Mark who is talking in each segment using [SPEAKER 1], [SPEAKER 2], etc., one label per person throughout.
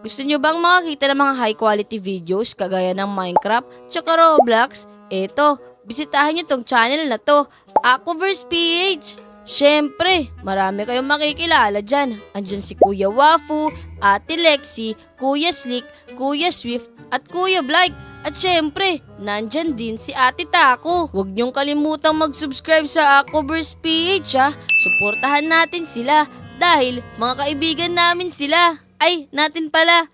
[SPEAKER 1] Gusto nyo bang makakita ng mga high quality videos kagaya ng Minecraft tsaka Roblox? Eto, bisitahin nyo tong channel na to, Aquaverse PH. Syempre, marami kayong makikilala dyan. Andyan si Kuya Wafu, Ate Lexi, Kuya Slick, Kuya Swift, at Kuya Blake. At syempre, nandyan din si Ate Taco. Huwag niyong kalimutang mag-subscribe sa Aquaverse PH ha. Suportahan natin sila dahil mga kaibigan namin sila. Ay, natin pala.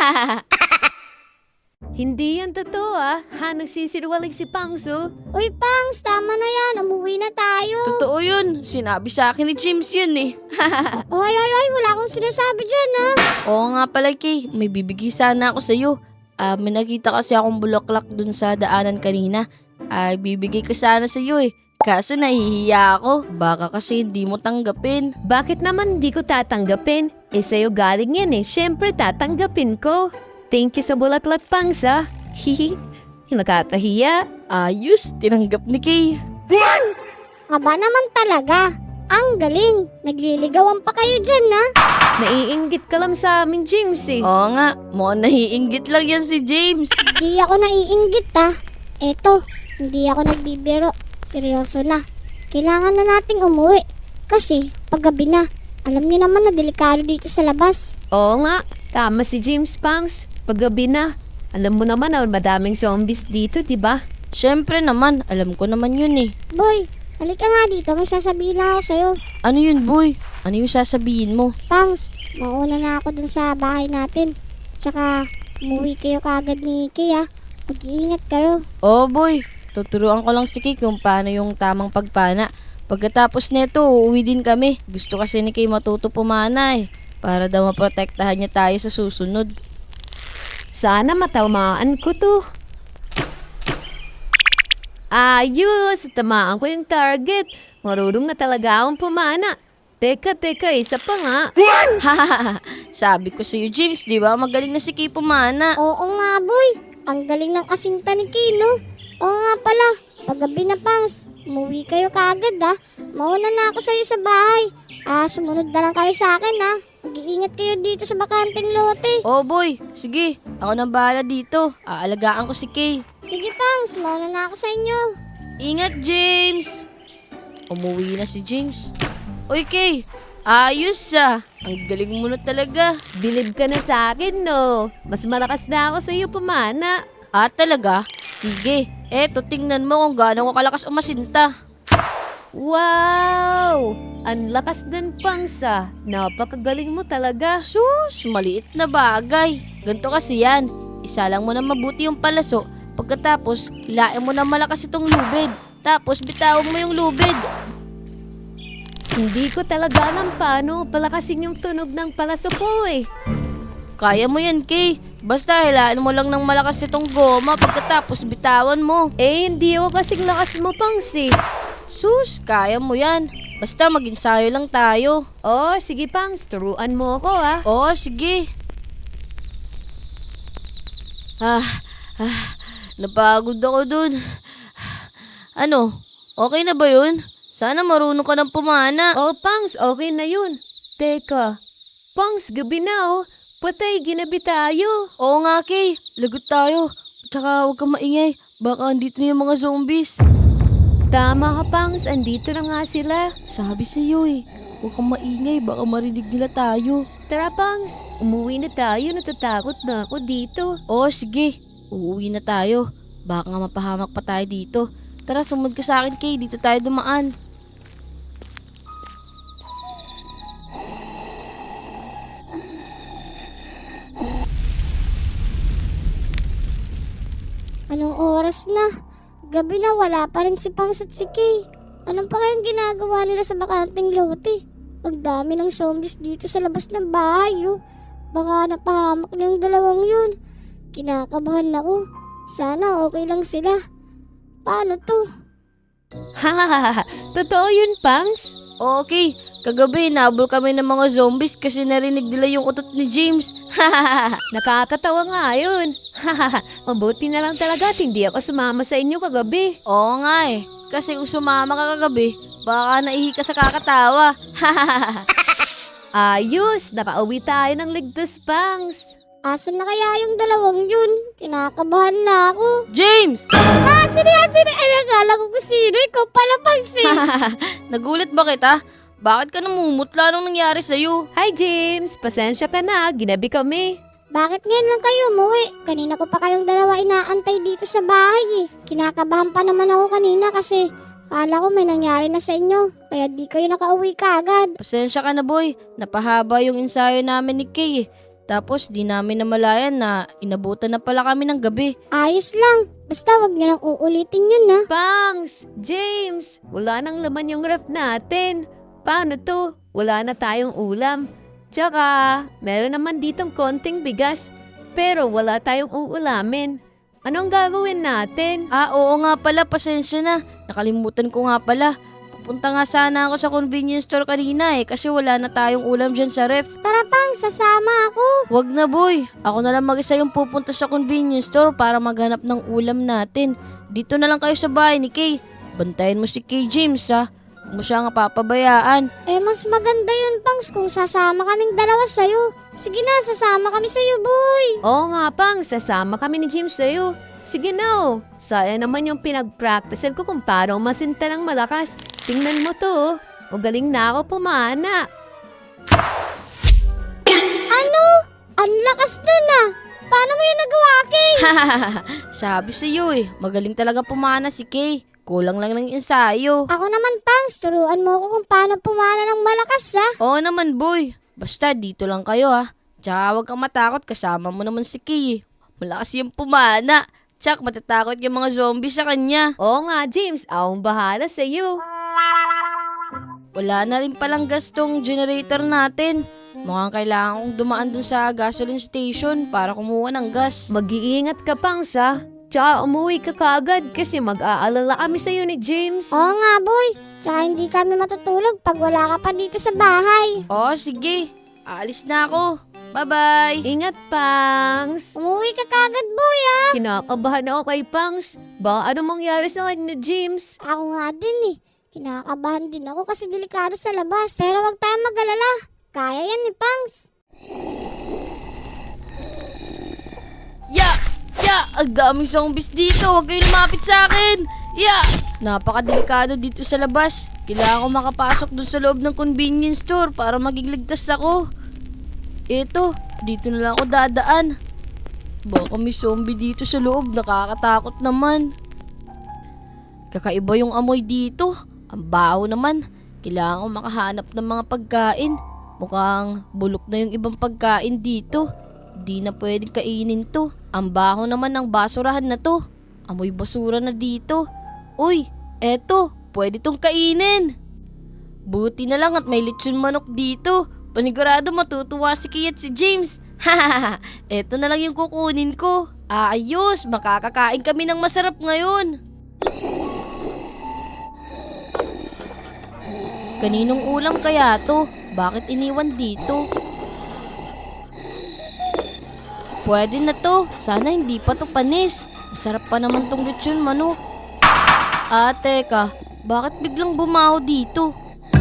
[SPEAKER 2] Hindi yan totoo nagsisinungaling si Pangso.
[SPEAKER 3] Uy, Pangs, tama na yan. Umuwi na tayo.
[SPEAKER 1] Totoo yun. Sinabi sa akin ni James yun eh.
[SPEAKER 3] Ay, wala akong sinasabi dyan, ha?
[SPEAKER 1] Oo nga pala, Kay. May bibigay sana ako sa'yo. May nakita kasi akong bulaklak dun sa daanan kanina. Bibigay ko sana sa'yo eh. Kaso nahihiya ako. Baka kasi hindi mo tanggapin.
[SPEAKER 2] Bakit naman di ko tatanggapin? Sa'yo galing yan eh. Siyempre tatanggapin ko. Thank you sa bulaklak, Pangsa. Hihi. Nakakahiya.
[SPEAKER 1] Ayos, tinanggap ni Kay.
[SPEAKER 3] Aba naman talaga. Ang galing. Nagliligawan pa kayo dyan, ha?
[SPEAKER 2] Naiinggit ka lang sa amin, James eh.
[SPEAKER 1] Oo nga, mukhang naiinggit lang yan si James.
[SPEAKER 3] Hindi ako naiinggit, ha? Eto, hindi ako nagbibiro. Seryoso na. Kailangan na nating umuwi. Kasi, paggabi na. Alam niyo naman na delikado dito sa labas.
[SPEAKER 2] Oo nga. Tama si James, Pangs. Paggabi na. Alam mo naman na madaming zombies dito, di ba?
[SPEAKER 1] Syempre naman, alam ko naman yun eh.
[SPEAKER 3] Boy, halika nga dito. May sasabihin lang ako sa'yo.
[SPEAKER 1] Ano yun, boy? Ano yung sasabihin mo?
[SPEAKER 3] Pangs, mauna na ako dun sa bahay natin. Tsaka, umuwi kayo kaagad ni Kay, ha? Mag-iingat kayo.
[SPEAKER 1] Oo, boy. Tuturuan ko lang si Kay kung paano yung tamang pagpana. Pagkatapos neto, uuwi din kami. Gusto kasi ni Kay matuto pumana eh. Para daw maprotektahan niya tayo sa susunod.
[SPEAKER 2] Sana matamaan ko to. Ayos! Tamaan ko yung target. Marunong na talaga akong pumana. Teka, isa pa nga.
[SPEAKER 1] Sabi ko sa'yo, James, di ba? Magaling na si Kay pumana.
[SPEAKER 3] Oo nga, boy. Ang galing ng kasinta ni Kay, no? Oo nga pala. Paggabi na, Pangs. Umuwi kayo kaagad, ha? Mauna na ako sa'yo sa bahay. Sumunod na lang kayo sa akin, ha? Mag-iingat kayo dito sa bakanteng lote.
[SPEAKER 1] Oh, boy. Sige, ako nang bahala dito. Aalagaan ko si Kay.
[SPEAKER 3] Sige, Pangs. Mauna na ako sa inyo.
[SPEAKER 1] Ingat, James! Umuwi na si James. Uy, Kay! Ayos Ang galing mo na talaga.
[SPEAKER 2] Bilib ka na sa akin, no? Mas malakas na ako sa iyo pumana.
[SPEAKER 1] Talaga? Sige. Eto, tingnan mo kung gaano ko kalakas umasinta.
[SPEAKER 2] Wow! Ang lakas ng Pangsa. Napakagaling mo talaga.
[SPEAKER 1] Sus, maliit na bagay. Ganto kasi yan. Isalang mo na mabuti yung palaso. Pagkatapos, hilain mo na malakas itong lubid. Tapos, bitawan mo yung lubid.
[SPEAKER 2] Hindi ko talaga alam paano palakasin yung tunog ng palaso ko eh.
[SPEAKER 1] Kaya mo yan, Kay. Basta hilain mo lang ng malakas itong goma. Pagkatapos, bitawan mo.
[SPEAKER 2] Hindi ako kasing lakas mo, Pangsi.
[SPEAKER 1] Sus, kaya mo yan. Basta mag-ensayo lang tayo.
[SPEAKER 2] Oh, sige Pangs, turuan mo ako
[SPEAKER 1] Oo, sige. Napagod ako dun. Ano, okay na ba yun? Sana marunong ka ng pumana.
[SPEAKER 2] Oh, Pangs, okay na yun. Teka, Pangs, gabi na oh. Patay, ginabi tayo.
[SPEAKER 1] Oo nga, Kay. Lagot tayo. Tsaka huwag kang maingay. Baka andito na yung mga zombies.
[SPEAKER 2] Tama ka, Pangs. Andito na nga sila.
[SPEAKER 1] Sabi sa'yo eh. Huwag kang maingay. Baka marinig nila tayo.
[SPEAKER 2] Tara, Pangs. Umuwi na tayo. Natatakot na ako dito.
[SPEAKER 1] Oo, sige. Uuwi na tayo. Baka nga mapahamak pa tayo dito. Tara, sumunod ka sa akin, Kay. Dito tayo dumaan.
[SPEAKER 3] Anong oras na? Gabi na, wala pa rin si Pangs at si Kay. Anong pa kayang ginagawa nila sa bakanteng lote? Ang dami ng zombies dito sa labas ng bahay, oh. Baka napahamak na yung dalawang yun. Kinakabahan ako. Sana okay lang sila. Paano to?
[SPEAKER 2] Hahaha, totoo yun, Pangs?
[SPEAKER 1] Okay, kagabi nabol kami ng mga zombies kasi narinig nila yung utot ni James.
[SPEAKER 2] Nakakatawa nga yun. Mabuti na lang talaga at hindi ako sumama sa inyo kagabi.
[SPEAKER 1] Oo nga eh, kasi kung sumama ka kagabi, baka naihi ka sa kakatawa.
[SPEAKER 2] Ayos, nakauwi tayo ng ligtas, Pangs.
[SPEAKER 3] Asan na kaya yung dalawang yun? Kinakabahan na ako.
[SPEAKER 1] James!
[SPEAKER 3] Sino yan? Ay, nakala ko kung sino. Ikaw pala, Pangs.
[SPEAKER 1] Nagulat ba kita? Bakit ka namumutla nung nangyari sa'yo?
[SPEAKER 2] Hi James, pasensya ka na, ginabi kami.
[SPEAKER 3] Bakit ngayon lang kayo umuwi? Kanina ko pa kayong dalawa inaantay dito sa bahay eh. Kinakabahan pa naman ako kanina kasi akala ko may nangyari na sa inyo. Kaya di kayo nakauwi kaagad.
[SPEAKER 1] Pasensya ka na boy, napahaba yung ensayo namin ni Kay eh. Tapos di namin namalayan na inabutan na pala kami ng gabi.
[SPEAKER 3] Ayos lang. Basta wag niyo nang uulitin yun ha.
[SPEAKER 2] Pangs, James, wala nang laman yung ref natin. Paano to? Wala na tayong ulam. Tsaka, meron naman ditong konting bigas. Pero wala tayong uulamin. Anong gagawin natin?
[SPEAKER 1] Oo nga pala, pasensya na. Nakalimutan ko nga pala. Pupunta nga sana ako sa convenience store kanina eh kasi wala na tayong ulam dyan sa ref.
[SPEAKER 3] Tara pang, sasama ako.
[SPEAKER 1] Wag na boy, ako na lang mag-isa yung pupunta sa convenience store para maghanap ng ulam natin. Dito na lang kayo sa bahay ni Kay. Bantayan mo si Kay James ha. Huwag mo siya nga papabayaan.
[SPEAKER 3] Mas maganda yun Pangs kung sasama kaming dalawa sa'yo. Sige na, sasama kami sa'yo boy.
[SPEAKER 2] Oo nga Pangs, sasama kami ni James sa'yo. Sige na oh. Sayang naman yung pinag-practicean ko kung paano masinta ng malakas. Tingnan mo to oh. Magaling na ako pumana.
[SPEAKER 3] Ano? Ang lakas dun ah. Paano mo yun nagawa, Kay?
[SPEAKER 1] Sabi sa'yo eh, magaling talaga pumana si Kay. Kulang lang ng ensayo.
[SPEAKER 3] Ako naman Pangs, turuan mo ako kung paano pumana ng malakas ha.
[SPEAKER 1] Oo naman boy, basta dito lang kayo ha. Tsaka huwag kang matakot, kasama mo naman si Kay eh. Malakas yung pumana. Tsak, matatakot yung mga zombie sa kanya.
[SPEAKER 2] Oo nga James, akong bahala sa'yo.
[SPEAKER 1] Wala na rin palang gas tong generator natin. Mukhang kailangan kong dumaan dun sa gasoline station para kumuha ng gas.
[SPEAKER 2] Mag-iingat ka Pangs ha. Tsaka umuwi ka kaagad kasi mag-aalala kami sa'yo ni James.
[SPEAKER 3] Oo nga boy, tsaka hindi kami matutulog pag wala ka pa dito sa bahay.
[SPEAKER 1] Oo, sige. Aalis na ako. Bye-bye.
[SPEAKER 2] Ingat Pangs.
[SPEAKER 3] Umuwi ka kagad boy ha.
[SPEAKER 2] Kinakabahan ako kay Pangs. Baka anong mangyari sa kanya ni James?
[SPEAKER 3] Ako nga din eh. Kinakabahan din ako kasi delikado sa labas. Pero wag tayong mag-alala. Kaya yan ni Pangs.
[SPEAKER 1] Ang daming zombies dito. Huwag kayo lumapit sa akin. Napakadelikado dito sa labas. Kailangan ko makapasok dun sa loob ng convenience store para maging ligtas ako. Eto, dito na lang ako dadaan. Baka may zombie dito sa loob. Nakakatakot naman. Kakaiba yung amoy dito. Ang baho naman. Kailangan ko makahanap ng mga pagkain. Mukhang bulok na yung ibang pagkain dito. Di na pwedeng kainin to. Ang baho naman ng basurahan na to. Amoy basura na dito. Uy, eto, pwede tong kainin. Buti na lang at may lechon manok dito. Panigurado matutuwa si Kay at si James. Eto na lang yung kukunin ko. Ayos, makakakain kami ng masarap ngayon. Kaninong ulam kaya to? Bakit iniwan dito? Pwede na to. Sana hindi pa to panis. Masarap pa naman tong lechon manok. Teka. Bakit biglang bumaho dito?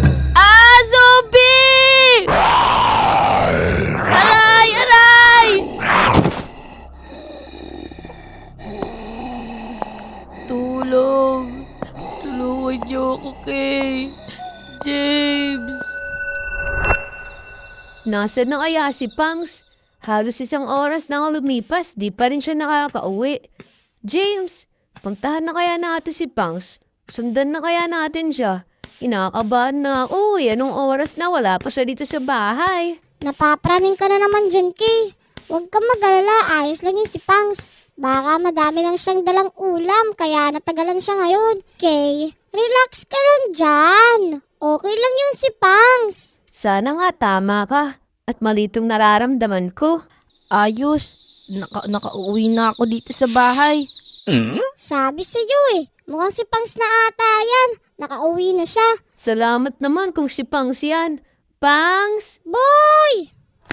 [SPEAKER 1] Zombie! Aray! Aray! Tulong. Tulungan niyo ako kay James.
[SPEAKER 2] Nasaan na kaya si Pangs? Halos isang oras na ako lumipas, di pa rin siya nakakauwi. James, puntahan na kaya natin si Pangs? Sundan na kaya natin siya? Kinakabahan na ako. Anong oras na wala pa siya dito sa bahay?
[SPEAKER 3] Napapraning ka na naman dyan, Kay. Huwag kang mag-alala, ayos lang yun si Pangs. Baka madami lang siyang dalang ulam, kaya natagalan siya ngayon. Kay, relax ka lang dyan. Okay lang yun si Pangs.
[SPEAKER 2] Sana nga tama ka at malitong nararamdaman ko.
[SPEAKER 1] Ayos. Nakauwi na ako dito sa bahay.
[SPEAKER 3] Sabi sa'yo eh, mukhang si Pangs na ata yan. Nakauwi na siya.
[SPEAKER 2] Salamat naman kung si Pangs yan. Pangs!
[SPEAKER 3] Boy!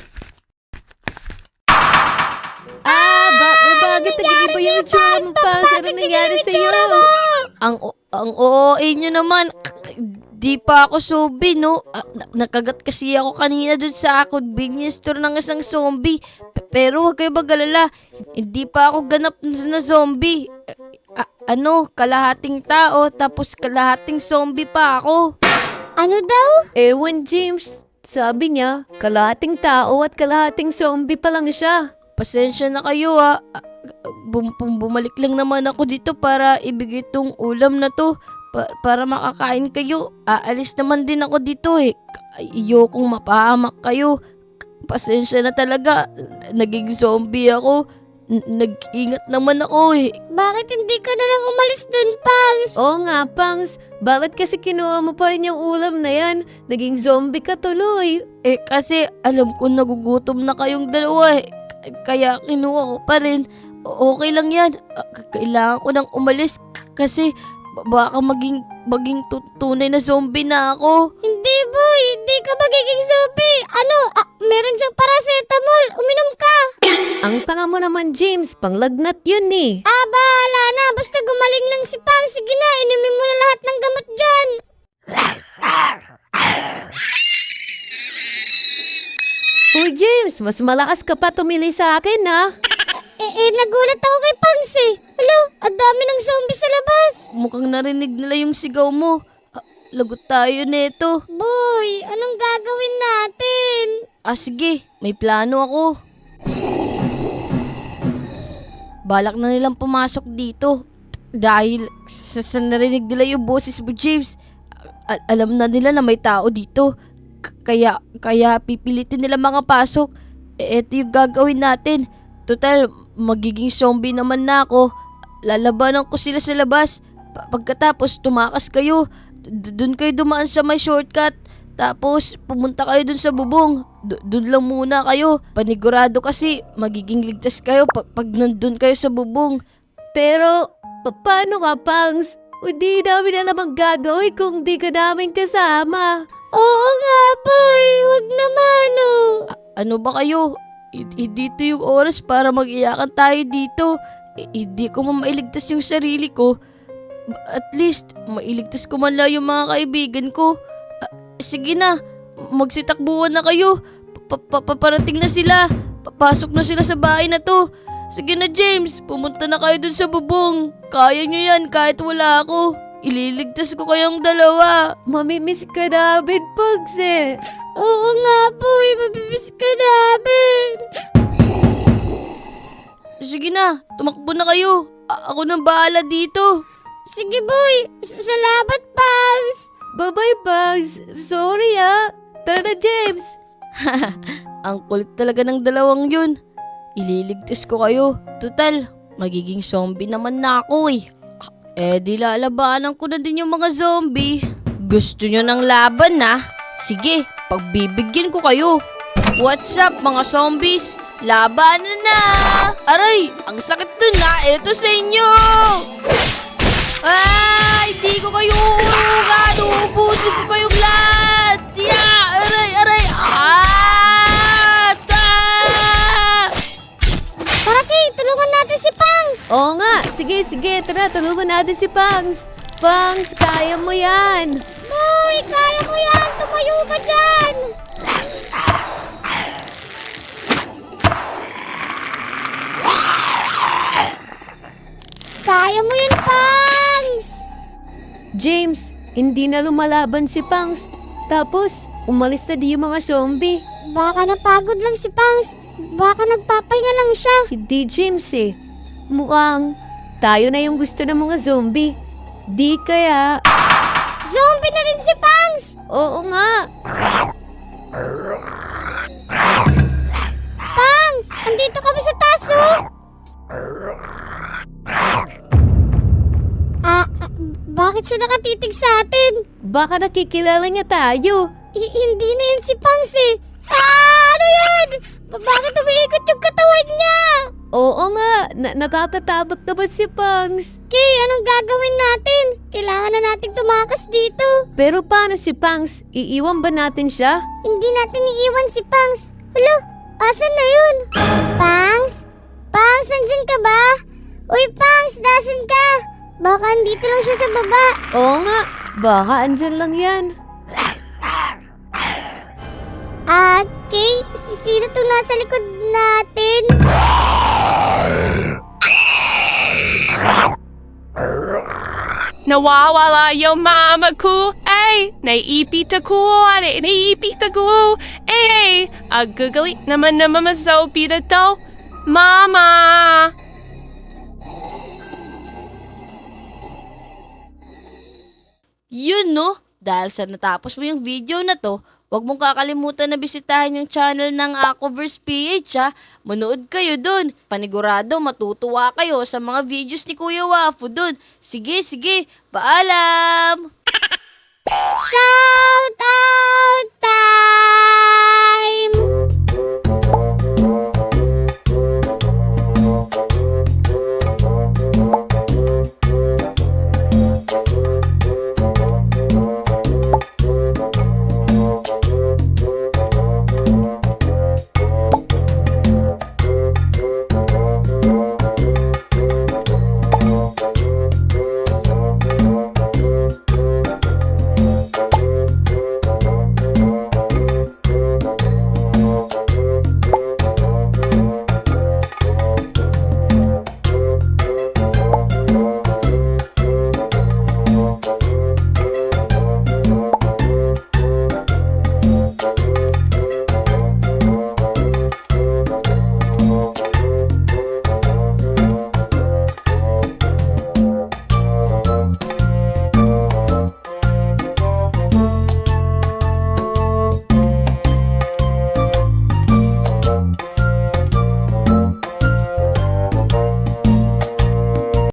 [SPEAKER 2] Bakit naging iba yung itsura mo, Pangs? Ano nangyari sa'yo?
[SPEAKER 1] Ang OA nyo naman. Hindi pa ako zombie, no? Nakagat kasi ako kanina dun sa convenience store ng isang zombie. Pero huwag kayo mag-alala. Hindi pa ako ganap na zombie. Kalahating tao tapos kalahating zombie pa ako.
[SPEAKER 3] Ano daw?
[SPEAKER 2] Ewan, James. Sabi niya, kalahating tao at kalahating zombie pa lang siya.
[SPEAKER 1] Pasensya na kayo ha. Bumalik lang naman ako dito para ibigay tong ulam na to. Para makakain kayo. Aalis naman din ako dito eh. Ayokong mapahamak kayo. Pasensya na talaga. Naging zombie ako. Nag-ingat naman ako eh.
[SPEAKER 3] Bakit hindi ka na lang umalis dun, Pangs?
[SPEAKER 2] Oo nga, Pangs. Bakit kasi kinuha mo pa rin yung ulam na yan? Naging zombie ka tuloy.
[SPEAKER 1] Kasi alam ko nagugutom na kayong dalawa eh. Kaya kinuha ko pa rin. Okay lang yan. Kailangan ko nang umalis kasi baka maging tunay na zombie na ako.
[SPEAKER 3] Hindi, boy. Hindi ka magiging zombie. Meron diyang paracetamol. Uminom ka.
[SPEAKER 2] Ang tanga mo naman, James. Panglagnat yun eh.
[SPEAKER 3] Bahala na. Basta gumaling lang si Pangs. Sige na, inumin mo na lahat ng gamot dyan.
[SPEAKER 2] Uy, James, mas malakas ka pa tumili sa akin, ha?
[SPEAKER 3] Nagulat ako kay Pangs eh. Hello, ang dami ng zombie sa labas.
[SPEAKER 1] Mukhang narinig nila yung sigaw mo. Lagot tayo neto.
[SPEAKER 3] Boy, anong gagawin natin?
[SPEAKER 1] Sige, may plano ako. Balak na nilang pumasok dito. Dahil sa narinig nila yung boses mo, James. Alam na nila na may tao dito. Kaya pipilitin nila makapasok. Ito yung gagawin natin. Total, magiging zombie naman na ako. Lalabanan ko sila sa labas. Pagkatapos tumakas kayo. Doon kayo dumaan sa may shortcut. Tapos pumunta kayo dun sa bubong. Doon lang muna kayo. Panigurado kasi magiging ligtas kayo pag nandun kayo sa bubong.
[SPEAKER 2] Pero, paano ka, Pangs? Hindi namin alam ang gagawin kung di ka namin kasama.
[SPEAKER 3] Oo nga, boy. Huwag naman, oh.
[SPEAKER 1] Ano ba kayo? Dito yung oras para mag-iyakan tayo dito. Hindi ko mailigtas yung sarili ko. At least, mailigtas ko man lang yung mga kaibigan ko. Sige na, magsitakbuhan na kayo. Paparating na sila. Papasok na sila sa bahay na to. Sige na, James, pumunta na kayo dun sa bubong. Kaya nyo yan kahit wala ako. Ililigtas ko kayong dalawa.
[SPEAKER 2] Mamimiss ka namin, Pangs eh.
[SPEAKER 3] Oo nga, boy. Mabibis ka namin.
[SPEAKER 1] Sige na, tumakbo na kayo. Ako nang bahala dito.
[SPEAKER 3] Sige, boy. Salamat, Pangs.
[SPEAKER 2] Bye-bye, Pangs. Sorry, ha. Tara na, James.
[SPEAKER 1] Ang kulit talaga ng dalawang yun. Ililigtas ko kayo. Total, magiging zombie naman na ako eh. Di lalabanan ko na din yung mga zombie. Gusto nyo ng laban na? Sige, pagbibigyan ko kayo. What's up mga zombies? Labanan na! Aray, ang sakit dun na. Ito sa inyo! Hindi ko kayo uurugan. Uubusin ko kayong lahat. Aray!
[SPEAKER 3] Paraki, tulungan natin si Pangs.
[SPEAKER 2] Oo nga. Sige. Tara, tulungan natin si Pangs. Pangs, kaya mo yan.
[SPEAKER 3] Boy, kaya mo yan. Tumayo ka dyan. Kaya mo yan, Pangs.
[SPEAKER 2] James, hindi na lumalaban si Pangs. Tapos, umalis na di yung mga zombie.
[SPEAKER 3] Baka napagod lang si Pangs. Baka nagpapahinga lang siya.
[SPEAKER 2] Hindi, James eh. Mukhang tayo na yung gusto ng mga zombie. Di kaya...
[SPEAKER 3] Zombie na rin si Pangs.
[SPEAKER 2] Oo nga.
[SPEAKER 3] Pangs, andito kami sa taso. Bakit siya nakatitig sa atin?
[SPEAKER 2] Baka nakikilala niya tayo.
[SPEAKER 3] Hindi na yan si Pangs eh. Ano yan? Bakit umiikot yung katawan niya?
[SPEAKER 2] Oo nga, nakatatakot naman si Pangs.
[SPEAKER 3] Kay, anong gagawin natin? Kailangan na nating tumakas dito.
[SPEAKER 2] Pero paano si Pangs? Iiwan ba natin siya?
[SPEAKER 3] Hindi natin iiwan si Pangs. Hala, asan na yun? Pangs? Pangs, nandyan ka ba? Uy, Pangs, nasan ka? Baka andito lang siya sa baba.
[SPEAKER 2] Oo nga, Baka andyan lang yan.
[SPEAKER 3] Kay, sino to nasa likod natin?
[SPEAKER 4] Nawawala yung mama ko. Ay, naiipit ako. Naiipit ako. Ay, agagalit naman na mama Sophie na to. Mama!
[SPEAKER 1] Yun no, dahil sa natapos mo yung video na to, huwag mong kakalimutan na bisitahin yung channel ng Aquaverse PH ha. Manood kayo dun. Panigurado matutuwa kayo sa mga videos ni Kuya Wafu dun. Sige, paalam!
[SPEAKER 3] Shout out time!